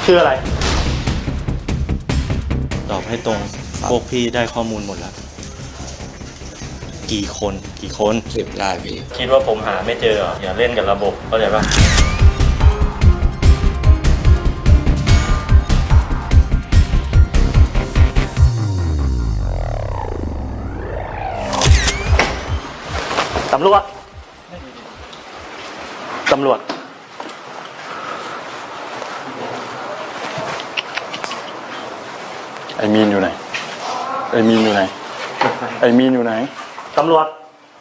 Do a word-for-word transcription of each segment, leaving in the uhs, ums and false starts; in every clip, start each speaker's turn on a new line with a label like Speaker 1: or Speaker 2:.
Speaker 1: ชื่ออะไร
Speaker 2: ตอบให้ตรงพวกพี่ได้ข้อมูลหมดแล้ว กี่คนกี่คน
Speaker 3: สิบได้พี่
Speaker 2: คิดว่าผมหาไม่เจออย่าเล่นกับระบบเข้าใจปะตำรวจตำรวจ
Speaker 1: ไอ้มีนอยู่ไหนไอ้มีนอยู่ไหนไอ้มีนอยู่ไหนตำรวจ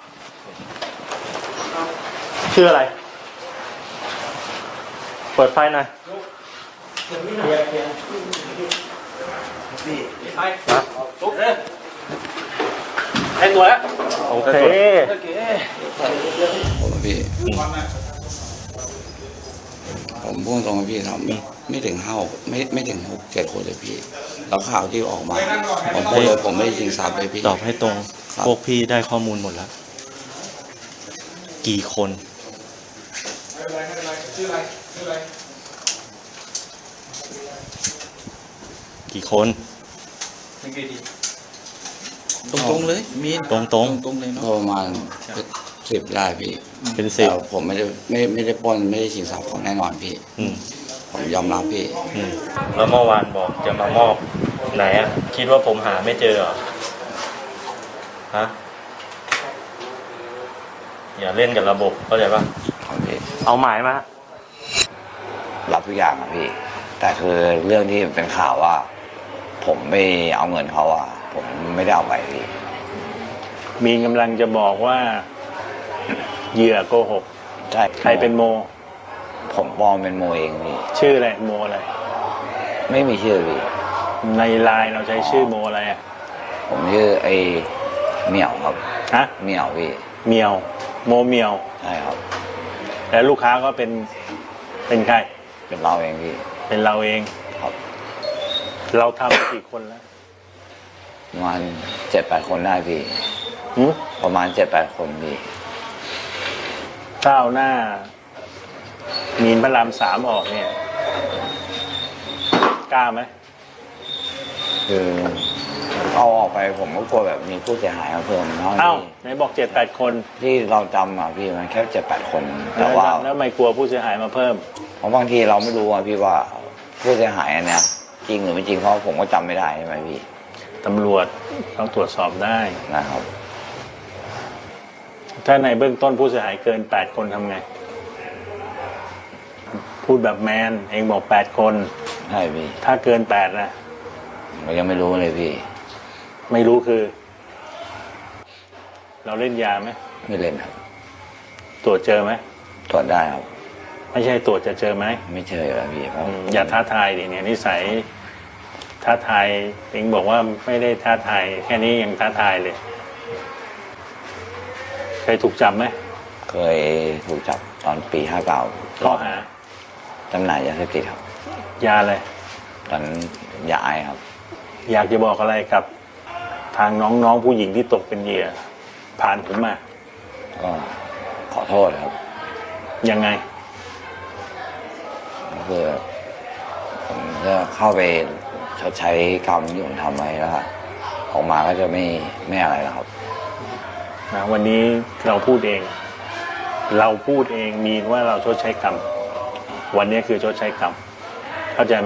Speaker 1: ชื่ออะไรเปิดไฟหน่อยให้ตัวแล้วโอเค
Speaker 3: ผมพี่ผมพูดตรงๆพี่ทำไม่ไม่ถึงห้าไม่ไม่ถึงหกเจ็ดคนเลยพี่แล้วข่าวที่ออกมาผมพูดเลยผมไม่ได้จริงทราบเลยพี่
Speaker 2: ตอบให้ตรงพวกพี่ได้ข้อมูลหมดแล้ว กี่คนกี่คน
Speaker 3: ตรงๆเลยมี
Speaker 2: ตรงตรง
Speaker 3: ตรงเลยเนาะประมาณสิบได้พี่
Speaker 2: เป็นสิบ
Speaker 3: ผมไม่ได้ไม่ไม่ได้ปล้นไม่ได้ชิงทรัพย์ของแน่นอนพี่ผมยอมรับพี่
Speaker 2: แล้วเมื่อวานบอกจะมามอบไหนอ่ะคิดว่าผมหาไม่เจอเหรอฮะอย่าเล่นกับระบบเข้าใจปะเอาหมายมา
Speaker 3: รับทุกอย่างอะพี่แต่คือเรื่องที่เป็นข่าวว่าผมไม่เอาเงินเขาอะผมไม่ได้เอาไปพี่
Speaker 1: มีกำลังจะบอกว่าเหยื่อโกหก
Speaker 3: ใช่
Speaker 1: ใครเป็นโม
Speaker 3: ผมปลอมเป็นโมเองพี่
Speaker 1: ชื่ออะไรโมอะไร
Speaker 3: ไม่มีชื่อพี่
Speaker 1: ในไลน์เราใช้ชื่อโมอะไรอ่ะ
Speaker 3: ผมชื่อไอ้เหมียวครับ
Speaker 1: ฮะ
Speaker 3: เหมียวพี่
Speaker 1: เหมียวโมเหมียว
Speaker 3: ใช่ครับ
Speaker 1: แล้วลูกค้าก็เป็นเป็นใคร
Speaker 3: เป็นเราเองพี่
Speaker 1: เป็นเราเอง
Speaker 3: ครับ
Speaker 1: เราทำกี่คนแล้ว
Speaker 3: ประมาณเจ็ดแปดคนได้พี่ประมาณเจ็ดแปดคนพี่
Speaker 1: ก้าวหน้ามีนพระรามสามออกเนี่ยกล้าไหม
Speaker 3: คือเอาออกไปผมก็กลัวแบบมีผู้เสียหายมาเพิ่มเนาะ
Speaker 1: เอ้าไหนบอกเจ็ดแปดคน
Speaker 3: ที่เราจำอ่ะพี่มันแค่เจ็ดแปดคนแต่ว่า
Speaker 1: แล้วไม่กลัวผู้เสียหายมาเพิ่ม
Speaker 3: เพราะบางทีเราไม่รู้อ่ะพี่ว่าผู้เสียหายอันเนี้ยจริงหรือไม่จริงเพราะผมก็จำไม่ได้ใช่ไหมพี่
Speaker 1: ตำรวจต้องตรวจสอบได้
Speaker 3: นะครับ
Speaker 1: ถ้าในเบื้องต้นผู้เสียหายเกินแปดคนทำไงพูดแบบแมนเองบอกแปดคน
Speaker 3: ใช่พี่
Speaker 1: ถ้าเกินแปดนะ
Speaker 3: เรายังไม่รู้เลยพี่
Speaker 1: ไม่รู้คือ เราเล่นยาไหม
Speaker 3: ไม่เล่นครับ
Speaker 1: ตรวจเจอไหม
Speaker 3: ตรวจได้ครับ
Speaker 1: ไม่ใช่ตรวจจะเจอไหม
Speaker 3: ไม่เจอแล้วพี่
Speaker 1: อย่าท้าทายดิเนี่ยนิสัยท้าทายเองบอกว่าไม่ได้ท้าทายแค่นี้ยังท้าทายเลยเคยถูกจับไหม
Speaker 3: เคยถูกจับตอนปีห้าเก้า
Speaker 1: ข้อหา
Speaker 3: จำหน่ายยาเสพติดครับ
Speaker 1: ยาอะไร
Speaker 3: ตอนยาไอครับ
Speaker 1: อยากจะบอกอะไรกับทางน้องๆผู้หญิงที่ตกเป็นเหยื่อผ่านผมมา
Speaker 3: ก็ขอโทษครับ
Speaker 1: ยังไง
Speaker 3: คือผมจะเข้าไปชดใช้กรรมที่ผมทำไว้แล้วออกมาก็จะไม่ไม่อะไรแล้วครับ
Speaker 1: นะวันนี้เราพูดเองเราพูดเองมีว่าเราชดใช้กรรมวันนี้คือชดใช้กรรมเข้าใจไหม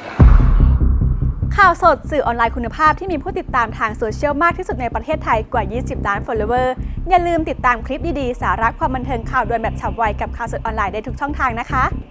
Speaker 4: ข่าวสดสื่อออนไลน์คุณภาพที่มีผู้ติดตามทางโซเชียลมากที่สุดในประเทศไทยกว่ายี่สิบล้าน follower อย่าลืมติดตามคลิปดีๆสาระความบันเทิงข่าวด่วนแบบฉับไวกับข่าวสดออนไลน์ได้ทุกช่องทางนะคะ